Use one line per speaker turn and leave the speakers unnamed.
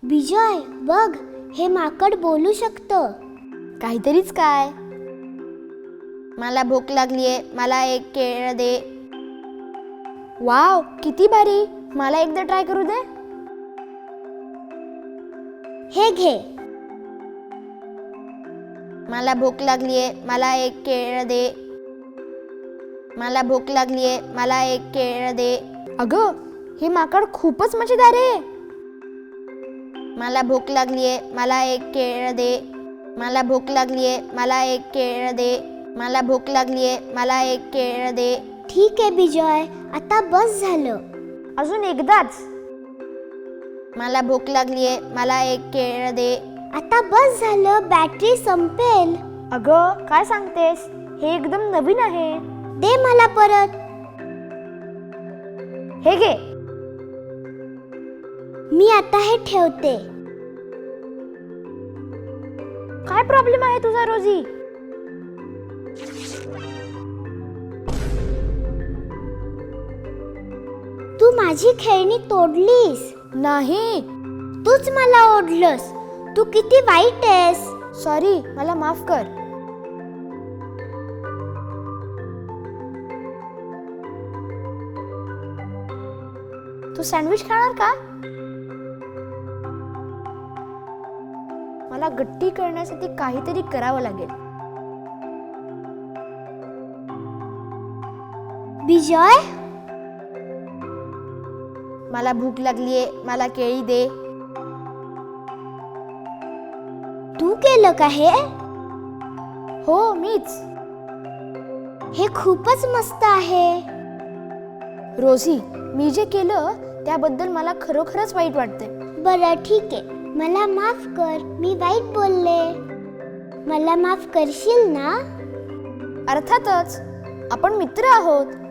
विजय बघ, हे माकड बोलू शकतं.
काहीतरीच काय. मला भूक लागलीये, मला एक केळ दे. वाव, किती भारी. मला एकदा ट्राय करू दे.
हे घे.
मला भूक लागलीये, मला एक केळ दे. मला भूक लागलीये, मला एक केळ दे. अगं, हे माकड खूपच मजेदार आहे. मला भूक लागलीये, मला एक केळ दे. मला भूक लागलीये, मला एक केळ दे. मला भूक लागलीये, मला एक केळ दे.
ठीक आहे विजय, आता बस झालं.
अजून एकदाच. मला भूक लागलीये, मला एक केळ दे.
आता बस झालं, बॅटरी संपेल.
अगं, काय सांगतेस? हे एकदम नवीन आहे.
दे मला परत.
हे घे.
मी आता हे ठेवते.
काय प्रॉब्लेम आहे तुझा रोजी?
तू माझी खेळणी तोडलीस.
नाही.
तूच मला ओढलंस. तू किती वाईट आहेस.
सॉरी, मला माफ कर. तू सँडविच खाणार का? मला गट्टी करण्यासाठी काहीतरी करावं लागेल.
विजय,
मला भूक लागलीये, मला केळी दे.
तू केलं का हे?
हो, मीच.
हे खूपच मस्त आहे.
रोजी, मी जे केलं त्याबद्दल मला खरोखरच वाईट वाटते.
बरं ठीक आहे, मला माफ कर. मी वाईट बोलले. मला माफ करशील ना?
अर्थातच. आपण मित्र आहोत.